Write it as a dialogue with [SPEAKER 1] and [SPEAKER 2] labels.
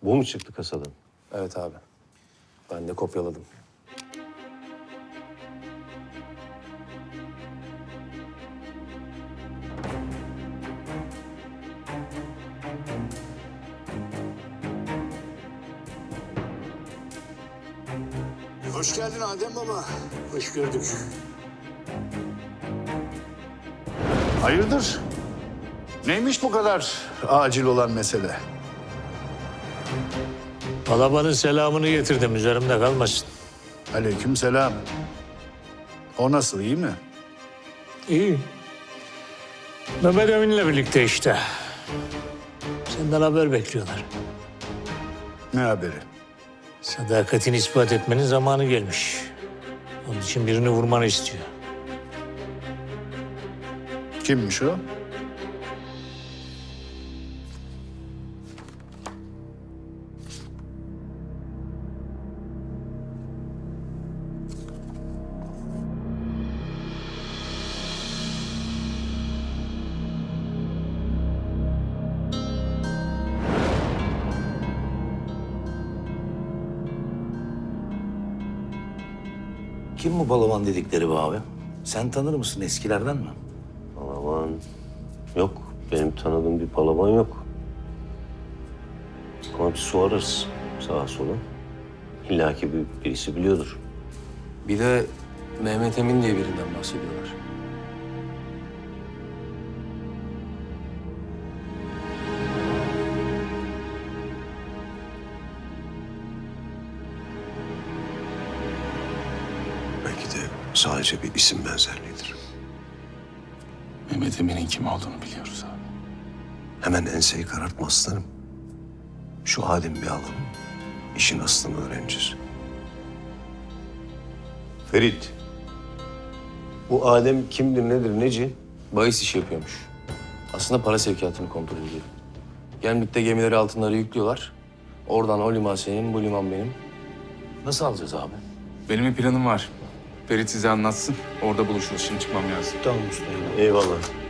[SPEAKER 1] Bu mu çıktı kasadan?
[SPEAKER 2] Evet abi. Ben de kopyaladım.
[SPEAKER 3] Hoş geldin Adem Baba. Hoş gördük. Hayırdır? Neymiş bu kadar acil olan mesele?
[SPEAKER 4] Balabanın selamını getirdim, üzerimde kalmasın.
[SPEAKER 3] Aleykümselam. O nasıl, iyi mi?
[SPEAKER 4] İyi. Mehmet Emin'le birlikte işte. Senden haber bekliyorlar.
[SPEAKER 3] Ne haberi?
[SPEAKER 4] Sadakatini ispat etmenin zamanı gelmiş. Onun için birini vurmanı istiyor.
[SPEAKER 3] Kimmiş o?
[SPEAKER 5] Kim bu Balaban dedikleri be abi? Sen tanır mısın, eskilerden mi?
[SPEAKER 1] Palavan yok. Benim tanıdığım bir palavan yok. Ama bir sorarız sağa sola. İlla ki birisi biliyordur.
[SPEAKER 2] Bir de Mehmet Emin diye birinden bahsediyorlar.
[SPEAKER 6] Belki de sadece bir isim benzerliğidir.
[SPEAKER 7] Mehmet Emin'in kim olduğunu biliyoruz abi.
[SPEAKER 6] Hemen enseyi karartma aslanım. Şu Adem'i bir alalım. İşin aslını öğreneceğiz.
[SPEAKER 1] Ferit. Bu Adem kimdir, nedir, neci?
[SPEAKER 2] Bahis işi yapıyormuş. Aslında para sevkiyatını kontrol ediyor. Gemlikte gemileri altınları yüklüyorlar. Oradan o liman senin, bu liman benim.
[SPEAKER 5] Nasıl alacağız abi?
[SPEAKER 7] Benim bir planım var. Ferit size anlatsın. Orada buluşuruz. Şimdi çıkmam lazım.
[SPEAKER 1] Tamam usta. Eyvallah.